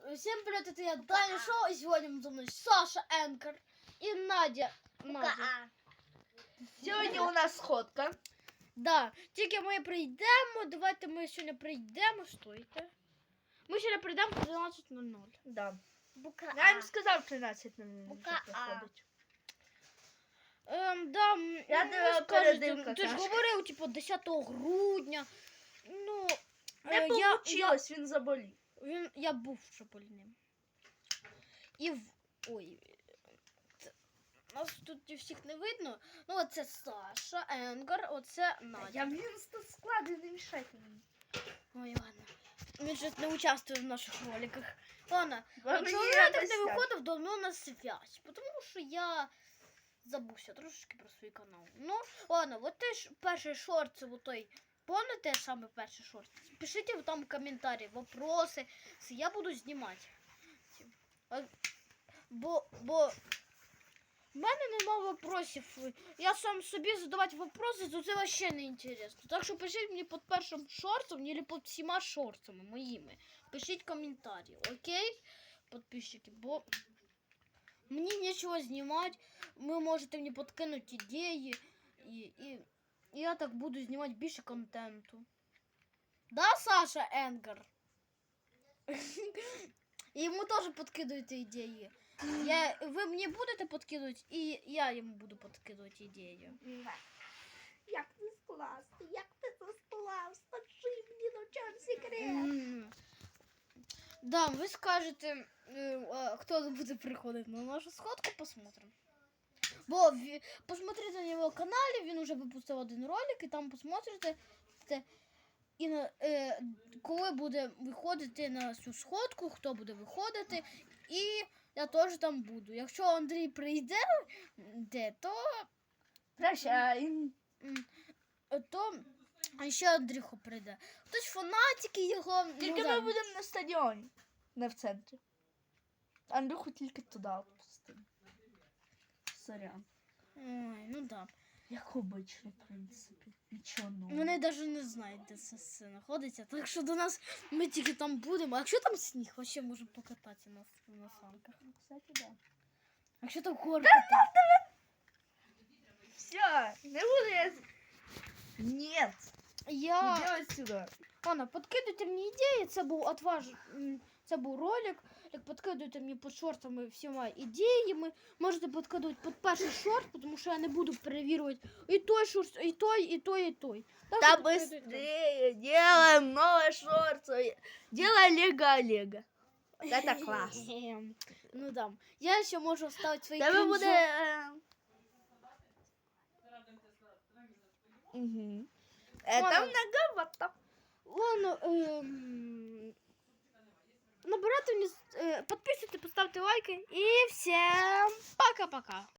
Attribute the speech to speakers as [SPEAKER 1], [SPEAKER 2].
[SPEAKER 1] Всем привет, это я, Даня Шоу, и сегодня со мной Саша Енкер и Надя.
[SPEAKER 2] Сьогодні у нас сходка.
[SPEAKER 1] Да, тільки ми прийдемо, давайте ми сьогодні прийдемо, стойте. Ми сьогодні прийдемо по 12:00.
[SPEAKER 2] Да.
[SPEAKER 1] Бука
[SPEAKER 2] Я їм сказав 13:00
[SPEAKER 1] Бука
[SPEAKER 2] приходить.
[SPEAKER 1] Да,
[SPEAKER 2] Я
[SPEAKER 1] ну,
[SPEAKER 2] тебе
[SPEAKER 1] скажете,
[SPEAKER 2] передивка,
[SPEAKER 1] ти ж
[SPEAKER 2] Сашка.
[SPEAKER 1] говорив, типу, 10 грудня. Ну,
[SPEAKER 2] Не получилось, він заболів.
[SPEAKER 1] Я був вже больним. Ой, нас тут всіх не видно. Ну, оце Саша, Енгар, оце Надя.
[SPEAKER 2] Я тут склади, не мішайте мені.
[SPEAKER 1] Ой, ладно. Він же не участвує в наших роликах. Ладно,
[SPEAKER 2] Мені
[SPEAKER 1] чому я так
[SPEAKER 2] якось
[SPEAKER 1] не
[SPEAKER 2] так.
[SPEAKER 1] виходив давно на связь? Тому що я забувся трошечки про свій канал. Ну, ладно, от теж перший шорт, це вот той. Помните саме перший шорт? Пишіть там в коментарі, вопроси. Я буду знімати. Бо в мене нема вопросів. Я сам собі задавати вопроси, то це вообще не інтересно. Так що пишіть мені під першим шортом або під всіма шортами моїми. Пишіть коментарі, окей? Підписчики, бо мені нічого знімати. Ви можете мені підкинути ідеї. І я так буду знімати більше контенту. Да, Саша Енгар? Йому теж підкидуєте ідеї. Ви мені будете підкидувати, і я йому буду підкидувати ідеї.
[SPEAKER 2] Як ти склав? Як ти це склав? Скажи мені, на чому секрет?
[SPEAKER 1] Да, ви скажете, хто буде приходити на нашу сходку, посмотрим. Бо посмотрите на його каналі, він вже випустив один ролик, і там посмотрите, і коли буде виходити на цю сходку, хто буде виходити, і я теж там буду. Якщо Андрій прийде, то
[SPEAKER 2] Прощай.
[SPEAKER 1] то ще Андрюха прийде. Хтось фанатики його.
[SPEAKER 2] Тільки ми будемо на стадіоні, не в центрі. Андрюху тільки туди відпустимо. Сорян.
[SPEAKER 1] Ой, ну да.
[SPEAKER 2] Як обично, в принципі. Нічого нового.
[SPEAKER 1] Вони навіть не знають, де це все знаходиться. Так що до нас ми тільки там будемо. А якщо там сніг, вообще можемо покататися на санках.
[SPEAKER 2] Ну, кстати, да.
[SPEAKER 1] А якщо там горки?
[SPEAKER 2] Все, не буду я... Нет,
[SPEAKER 1] Я...
[SPEAKER 2] иди отсюда.
[SPEAKER 1] Ладно, подкидуйте мені ідеї, це був ролик. Як подкидуйте мені під шортами всіма ідеями. Можете подкидувати під перший шорт, тому що я не буду перевірювати і той шорт, і той, і той, і той. Так
[SPEAKER 2] Да
[SPEAKER 1] що подкидуйте.
[SPEAKER 2] быстрее, делаем новые шорты. Делай Лего. Это класс.
[SPEAKER 1] Ну да. Я ще можу вставити свої
[SPEAKER 2] Тебе
[SPEAKER 1] крінжо.
[SPEAKER 2] буде... Угу. Это многовато.
[SPEAKER 1] Ладно, набирайте мені, підписуйте, поставте лайки і всім пока-пока.